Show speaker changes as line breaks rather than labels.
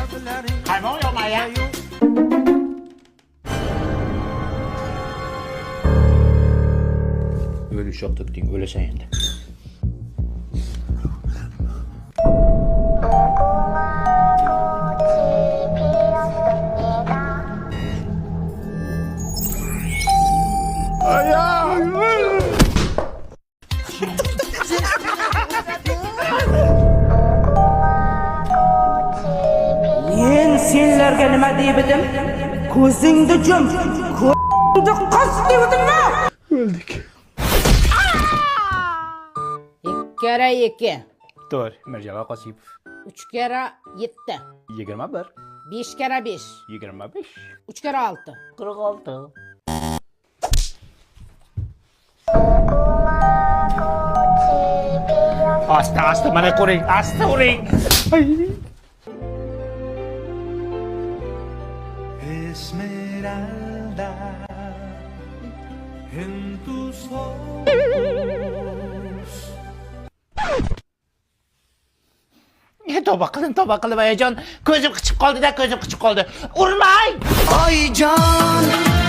Qaymoq yo'qmi-ya? Öyle şok töktün, öylesen endi.
Men senlarga nima deybidim? Ko'zingni jum, ko'zingni qis deybidim-mi?
Öldük.
2 kere 2,
Doğru, Mirjalal Qosipov.
3 kere 7,
21,
5 kere 5,
25,
3 kere 6.
46. Asta, mana ko'ring, asta uring.
Esmeralda en tus ojos.
Tavba qilib ayajon. Ko'zim qichib qoldi-da, ko'zim qichib qoldi. Urmang!
Ay can